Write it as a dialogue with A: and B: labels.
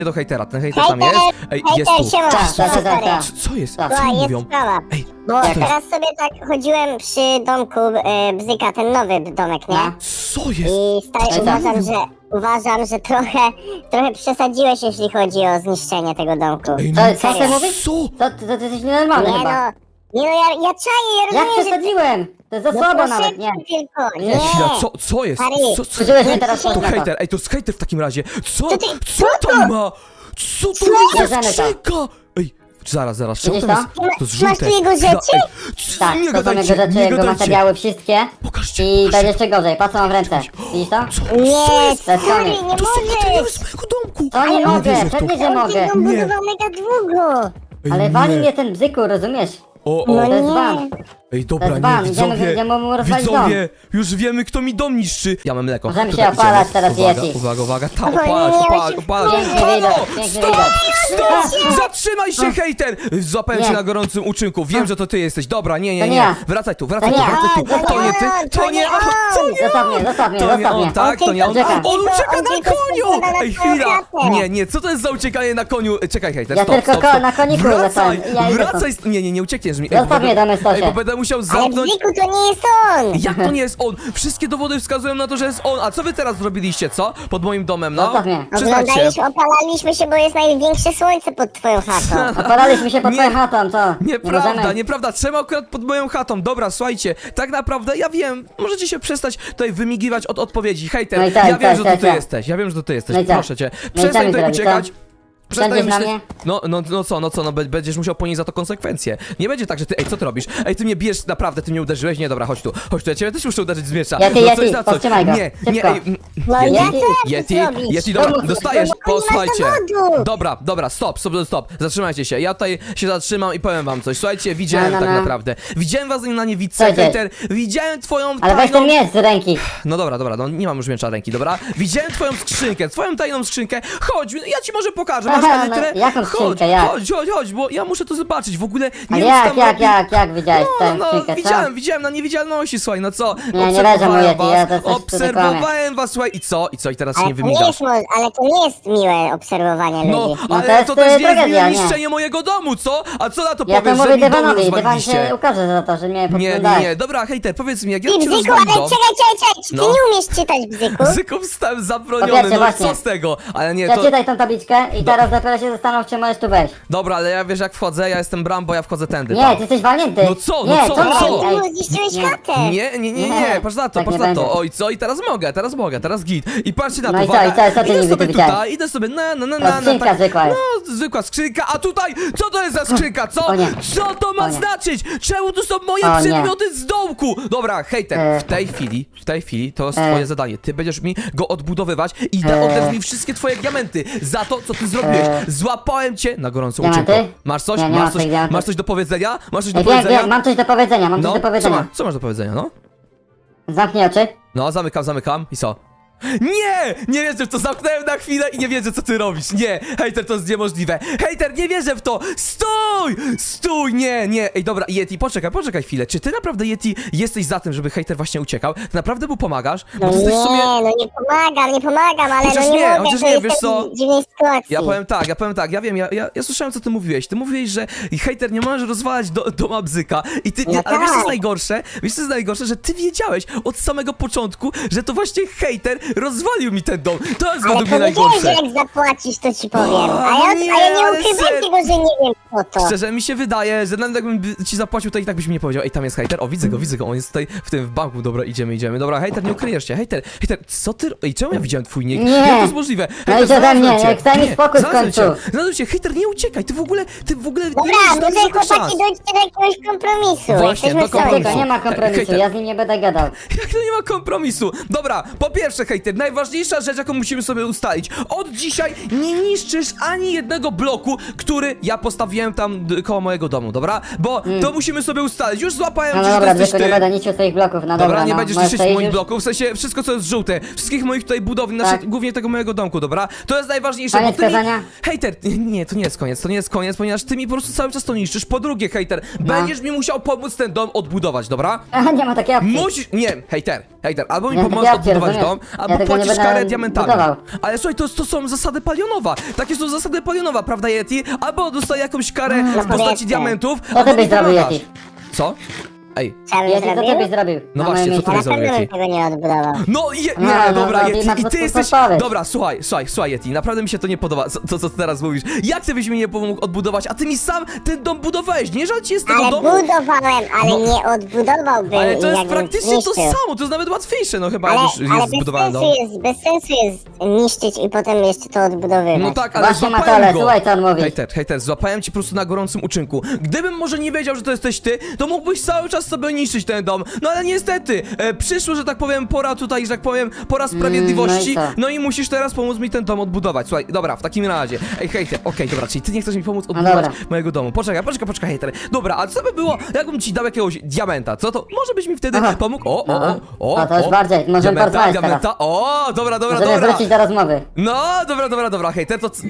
A: do hejtera, ten hejter tam jest. Ej, jest tu.
B: siema.
A: Co jest?
B: Słuchaj,
A: Co oni
B: jest
A: mówią?
B: sprawa.
A: Ej,
B: Bo
A: co to jest?
B: teraz sobie tak chodziłem przy domku Bzyka, ten nowy domek, nie?
A: Co jest?
B: I stary, uważam, że trochę przesadziłeś, jeśli chodzi o zniszczenie tego domku.
A: Ej,
C: Co ty mówisz?
A: Co?
C: To ty jesteś nienormalny
B: Nie
C: chyba.
B: no, ja czaję, ja
C: Jak
B: rozumiem, że...
C: przesadziłem? To jest za
B: No
C: słabo nawet, nie.
B: tylko,
A: Ej,
B: nie.
A: chwila, co jest?
B: Stary,
A: Co?
C: Użyłeś mnie teraz
A: To
C: na to.
A: hejter, ej, to jest hejter w takim razie. Co?
B: To ty-
A: Co tam ma? Co to jest
C: Bierzemy
A: za
C: to.
A: skrzynka? Ej, zaraz, czemu
C: Widzisz
A: to jest?
C: to?
A: To jest
B: Masz tu
A: żółte.
B: jego
A: Chwila,
B: rzeczy?
A: ej,
C: Tak,
A: nie
C: to są jego
A: gadajcie,
C: rzeczy,
A: nie
C: jego
A: gadajcie.
C: materiały wszystkie.
A: Pokażcie,
C: I
A: pokażcie.
C: będzie jeszcze gorzej, patrz co mam w ręce. Widzisz to?
B: Nie,
C: To jest
B: stary,
C: koniec.
B: nie
A: To są materiały
B: możesz!
A: z mojego domku.
C: To nie
A: Nie
C: mogę,
A: wierzę w to.
C: pewnie, że
B: On
C: mogę.
B: tego budował mega długo!
A: Ej,
C: Ale
A: nie.
C: wali mnie ten bzyku, rozumiesz?
A: O,
B: No
C: To jest
B: nie.
C: ban.
A: Ej, dobra,
C: To jest
A: nie,
C: ban,
A: widzowie,
C: idziemy mu rozwalić
A: widzowie, już wiemy, kto mi dom niszczy. Ja mam mleko.
C: Możemy
A: Tutaj
C: się opalać
A: idziemy.
C: teraz,
A: Uwaga,
C: Yeti.
A: uwaga, ta,
B: Oj,
A: opalać,
B: nie,
A: opalać,
B: się
A: opalać.
C: Piękny
A: Halo,
C: widok, piękny
A: stop,
C: widok.
A: stop, zatrzymaj się, hejter. Złapałem
C: Nie.
A: cię na gorącym uczynku, wiem, że to ty jesteś. Dobra, nie,
C: To
A: nie,
C: nie
A: nie,
C: ja.
A: wracaj tu,
C: To nie.
A: To nie ty, to nie on.
C: Zostaw mnie, zostaw mnie,
A: To nie
C: zostaw
A: on,
C: mnie.
A: tak, to nie on.
C: Ucieka.
A: On ucieka
B: On
A: na
B: tylko
A: koniu!
B: spada na
A: Ej,
B: twoją
A: chwila!
B: klatę.
A: Nie, co to jest za uciekanie na koniu? Czekaj, hejter,
C: Ja
A: stop,
C: tylko
A: stop, stop.
C: na koniku
A: Wracaj,
C: lecałem. Ja idę
A: wracaj, nie uciekniesz mi.
C: Zostaw mnie, damy stosie.
A: Ej, bo będę musiał
B: Ale
A: zamknąć...
B: Bzyku, to nie jest on!
A: Jak to nie jest on? Wszystkie dowody wskazują na to, że jest on. A co wy teraz zrobiliście, co? Pod moim domem, no?
C: Zostaw mnie.
A: Przyznajcie.
B: Opalaliśmy się, bo jest największe słońce pod twoją chatą.
C: Opalaliśmy się pod
A: Nie.
C: twoją chatą, co?
A: Nieprawda,
C: Nie możemy?
A: nieprawda. Czemu akurat pod moją chatą? Dobra, słuchajcie, tak naprawdę ja wiem, możecie się przestać tutaj wymigiwać od odpowiedzi. Hejter,
C: No i tak,
A: ja wiem,
C: tak,
A: że
C: tak,
A: to ty
C: tak.
A: jesteś. Ja wiem, że to ty jesteś.
C: No i tak.
A: Proszę cię.
C: No i co
A: Przestań
C: mi
A: tutaj
C: zrobić,
A: uciekać.
C: co?
A: Przestań
C: Będziesz na
A: myśleć... No, będziesz musiał ponieść za to konsekwencje. Nie będzie tak, że ty, ej, co ty robisz? Ej, ty mnie bijesz, naprawdę, ty mnie uderzyłeś? Nie, dobra, chodź tu, ja ciebie też muszę uderzyć z miecza.
C: Yeti,
A: No,
C: Yeti,
A: coś za coś.
C: powstrzymaj go.
A: Nie,
C: Szybko.
A: ej,
B: No
A: Yeti,
B: ja co
A: Yeti,
B: zrobić?
A: Yeti, dobra,
C: Pomóż mi.
A: dostajesz,
B: No, nie ma
A: posłuchajcie.
B: dowodu.
A: Dobra, stop, zatrzymajcie się. Ja tutaj się zatrzymam i powiem wam coś. Słuchajcie, widziałem
C: No.
A: tak naprawdę. Widziałem was na niewidce,
C: Co dzieje?
A: hejter, widziałem twoją
C: Ale weź
A: tajną...
C: ten miecz z ręki.
A: No dobra, no nie mam już miecza ręki, dobra? Widziałem twoją skrzynkę, twoją tajną skrzynkę. Chodź, ja ci może pokażę, masz
C: Aha,
A: elytrę?
C: no, jaką skrzynkę, jak?
A: Chodź, bo ja muszę to zobaczyć, w ogóle nie
C: Ale
A: wiem, co tam robi.
C: jak widziałeś tę
A: No,
C: skrzynkę, co?
A: widziałem na niewidzialności, słuchaj, no co?
C: Nie, nie leżę,
A: Obserwowałem
C: mówię ci, ja
A: was,
C: to coś tu
A: obserwowałem was, słuchaj, i co? I teraz się nie
B: Ale to nie
A: wymigasz?
B: jest, ale to nie jest miłe obserwowanie
A: No,
B: ludzi.
C: No
A: ale
C: to jest,
A: to też nie jest
C: tragedia,
A: miłe
C: nie.
A: niszczenie mojego domu, co? A co na to
C: Ja to
A: powiesz, że
C: mówię
A: mi dom
C: Dywanowi, Dywan
A: rozwaliliście?
C: się ukaże za to, że mnie
A: Nie,
C: podglądałeś.
A: dobra, hejter, powiedz mi, jak ja
B: Ty,
A: ci
B: Bzyku,
A: rozwalim
B: ale
A: dom...
B: czekaj, czy ty
A: No.
B: nie umiesz czytać, Bzyku?
A: Bzyków stałem
C: Po
A: zabroniony,
C: pierwsze,
A: no i
C: właśnie.
A: co z tego? Ale nie, to...
C: Przeczytaj tą tabliczkę i teraz dopiero się zastanów, czy możesz tu wejść.
A: Dobra, ale ja wiesz jak wchodzę, ja jestem Brambo, ja wchodzę tędy,
C: Nie,
A: pa.
C: ty jesteś walnięty.
A: No co,
C: Nie,
A: no co,
C: co?
A: no co?
B: Ty mu zniszczyłeś
C: Nie.
B: chatę!
A: Nie, patrz na to,
C: Tak
A: patrz
C: nie
A: na
C: będzie.
A: to. Oj, co? I teraz mogę, teraz git. I patrzcie na
C: No
A: to,
C: i co,
A: uwaga.
C: co ty
A: Idę
C: niby
A: sobie
C: widziałeś?
A: tutaj, idę sobie
C: To skrzynka zwykła jest.
A: No, zwykła skrzynka, a tutaj, co to jest za skrzynka, co?
C: O nie.
A: Co to ma
C: O nie.
A: znaczyć? Czemu tu są moje
C: O nie.
A: przedmioty z dołku? Dobra, hejter, w tej chwili to jest twoje zadanie. Ty będziesz mi go odbudowywać i oddasz mi wszystkie twoje diamenty za to, co ty zrobiłeś. Złapałem cię na gorącą
C: Diamenty?
A: uczynką. Masz coś?
C: Nie, nie mam tych diamentów.
A: Masz coś do powiedzenia? Masz coś do
C: Ej,
A: powiedzenia?
C: wiem, mam coś do powiedzenia, mam coś do powiedzenia.
A: Co masz do powiedzenia, no?
C: Zamknij oczy.
A: No, zamykam i co? Nie wierzę w to, zamknąłem na chwilę i nie wierzę, co ty robisz. Nie, hejter, to jest niemożliwe. Hejter, nie wierzę w to. Stój, nie. Ej, dobra, Yeti, poczekaj chwilę. Czy ty naprawdę, Yeti, jesteś za tym, żeby hejter właśnie uciekał? Ty naprawdę mu pomagasz? Bo
B: No
A: ty jesteś w sumie...
B: nie pomagam, ale
A: Chociaż
B: no nie
A: nie,
B: mogę,
A: chociaż
B: to
A: nie,
B: jestem
A: wiesz co?
B: w dziwnej sytuacji.
A: Ja powiem tak, ja wiem, ja słyszałem, co ty mówiłeś. Ty mówiłeś, że hejter nie możesz rozwalać doma Bzyka i ty,
B: No
A: ale wiesz co jest
B: tak.
A: najgorsze, że ty wiedziałeś od samego początku, że to właśnie hejter rozwalił mi ten dom. To jest
B: Ale
A: według mnie
B: powiedziałeś, że
A: najgorsze.
B: jak zapłacisz, to ci powiem.
A: O,
B: A ja
A: nie,
B: nie
A: ale
B: ukrywam
A: serio.
B: tego, że nie wiem po to.
A: Szczerze, mi się wydaje, że nawet jakbym ci zapłacił, to i tak byś mi nie powiedział. Ej, tam jest hejter, o widzę go, on jest tutaj w banku, dobra, idziemy. Dobra, hejter, nie ukryjesz się, hejter, co ty... Ej, czemu ja widziałem twój nick?
C: Nie.
A: Jak to jest możliwe?
C: No
A: Hejter,
C: idź ode mnie,
A: znalazłem cię.
C: jak daj mi
A: Nie,
C: spokój w
A: znalazłem
C: końcu.
A: cię. Znalazłem cię, hejter, nie uciekaj, ty w ogóle
B: Dobra,
A: nie masz
B: może
A: żadnych szans.
B: chłopaki dojdźcie do jakiegoś kompromisu.
A: Właśnie,
B: Jesteśmy
A: do
B: w sojusz.
A: kompromisu.
C: Nie ma kompromisu,
A: Hejter.
C: ja z nim nie będę gadał.
A: Jak to nie ma kompromisu? Dobra, po pierwsze, hejter, najważniejsza rzecz, jaką musimy sobie ustalić. Od dzisiaj nie niszczysz ani jednego bloku, który ja postawiłem tam koło mojego domu, dobra? Bo to musimy sobie ustalić. Już złapałem
C: No
A: cię, że to
C: dobra,
A: jesteś
C: tylko nie
A: ty.
C: będę niszczył swoich bloków, no
A: Dobra, nie
C: no,
A: będziesz
C: możesz
A: niszczyć
C: przejść
A: moich
C: już?
A: bloków, w sensie wszystko co jest żółte, wszystkich moich tutaj budowli,
C: Tak.
A: głównie tego mojego domku, dobra? To jest najważniejsze,
C: Koniec
A: bo ty mi...
C: kazania?
A: Hejter, nie, to nie jest koniec, ponieważ ty mi po prostu cały czas to niszczysz. Po drugie, hejter,
C: No.
A: będziesz mi musiał pomóc ten dom odbudować, dobra?
C: Aha, nie ma takiej opcji.
A: Musisz, nie, hejter, albo mi
C: Nie,
A: pomożesz
C: ja cię
A: odbudować
C: rozumiem.
A: dom,
C: Ja
A: albo
C: tego nie
A: płacisz
C: będę
A: karę diamentami.
C: budował.
A: Ale słuchaj, to są zasady palionowa, takie są zasady palionowa, prawda Yeti? Albo dostaję jakąś karę w postaci
B: Koniecznie.
A: diamentów,
C: Co ty
A: albo
C: byś
A: mi
C: zrobił,
A: pomagasz.
C: Yeti?
A: Co? Ej,
B: Co bym
C: Yeti, co ty byś
B: zrobił?
C: zrobił?
A: No
C: Na
A: właśnie,
C: moim
A: co ty
C: miejscu?
B: Na
A: byś zrobił,
B: pewno bym
A: Yeti?
B: tego nie odbudował.
A: No,
C: No,
A: dobra,
C: no,
A: Yeti,
C: na
A: i
C: to
A: ty jesteś...
C: podpowiedź.
A: Dobra, słuchaj, Yeti, naprawdę mi się to nie podoba, co ty teraz mówisz. Jak ty byś mi nie pomógł odbudować, a ty mi sam ten dom budowałeś, nie żal ci jest tego
B: Ale
A: domu?
B: budowałem, ale
A: No.
B: nie odbudowałbym
A: Ale to jest
B: jakbym
A: praktycznie to
B: zniszczył.
A: samo, to jest nawet łatwiejsze, no chyba
B: Ale,
A: jak już
B: ale
A: jest zbudowany dom.
B: bez sensu jest niszczyć i potem jeszcze to odbudowywać.
A: No tak, ale
C: Właśnie,
A: złapałem
C: Matole,
A: go.
C: słuchaj, co on mówi.
A: Hejter, złapałem cię po prostu na gorącym uczynku. Gdybym może nie wiedział, że to jesteś ty, to mógłbyś cały czas sobie niszczyć ten dom. No ale niestety, przyszło, że tak powiem, pora tutaj, że tak powiem, pora sprawiedliwości.
C: no i co?
A: No i musisz teraz pomóc mi ten dom odbudować. Słuchaj, dobra, w takim razie. Ej, hejter, okej, dobra, czyli ty nie chcesz mi pomóc odbudować
C: dobra.
A: mojego domu. Poczekaj, hejter. Dobra, a co by było, jakbym ci dał jakiegoś diamenta, co to? Może byś mi wtedy
C: Aha.
A: pomógł?
C: No to już bardziej, możemy porozmawiać teraz.
A: diamenta. O, dobra.
C: Możemy wrócić do rozmowy.
A: No, dobra, hejter, to